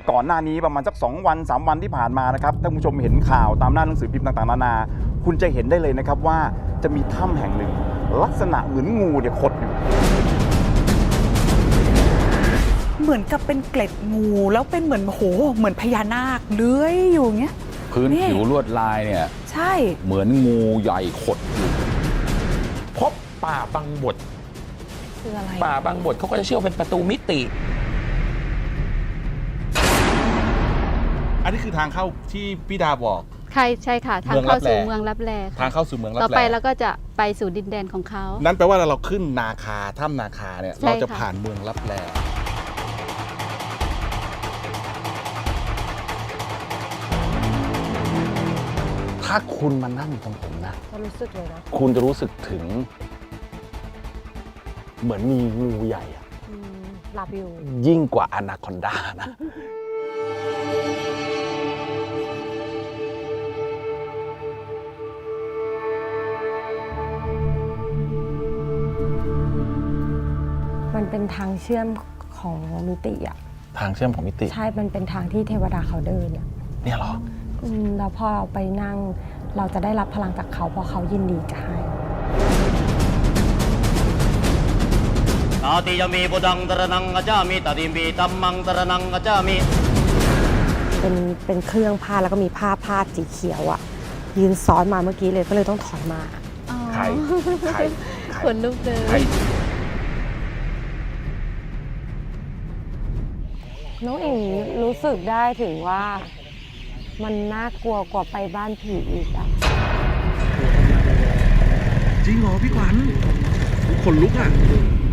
ก่อนหน้านี้ประมาณสัก2 วัน3 วันที่ผ่านมานะครับถ้าคุณผู้ชมเห็นข่าวตามหน้าหนังสือพิมพ์ต่างๆนานาคุณจะเห็นได้เลยนะครับว่าจะมีถ้ำแห่งหนึ่งลักษณะเหมือนงูเนี่ยขดอยู่เหมือนกับเป็นเกล็ดงูแล้วเป็นเหมือนโหเหมือนพญานาคเลื้อยอยู่เงี้ยพื้นผิวลวดลายเนี่ยใช่เหมือนงูใหญ่ขดอยู่พบป่าบางบดคืออะไรป่าบางบดเขาก็จะเชื่อเป็นประตูมิติอันนี้คือทางเข้าที่พี่ดาบอกใช่ค่ะทางเข้าสู่เมืองลับแลทางเข้าสู่เมืองลับแลต่อไปเราก็จะไปสู่ดินแดนของเขานั่นแปลว่าเราขึ้นนาคาถ้ำนาคาเนี่ยเราจะผ่านเมืองลับแลถ้าคุณมานั่งตรงผมนะจะรู้สึกเลยนะคุณจะรู้สึกถึงเหมือนมีงูใหญ่อะหลับอยู่ยิ่งกว่าอนาคอนดานะมันเป็นทางเชื่อมของมิติอะทางเชื่อมของมิติใช่มันเป็นทางที่เทวดาเขาเดินเนี่ยเหรอแล้วพอเราไปนั่งเราจะได้รับพลังจากเขาเพราะเขายินดีจะให้นาติยมีบุดังตระนังกัจจามิตติมีตัมมังตระนังกัจจามิเป็นเครื่องผ้าแล้วก็มีผ้าพาดสีเขียวอะยืนซ้อนมาเมื่อกี้เลยก็เลยต้องถอยมาใครขนลุกเลยน้องเอ๋รู้สึกได้ถึงว่ามันน่ากลัวกว่าไปบ้านผีอีกอะจริงเหรอพี่ขวัญขนลุกอะ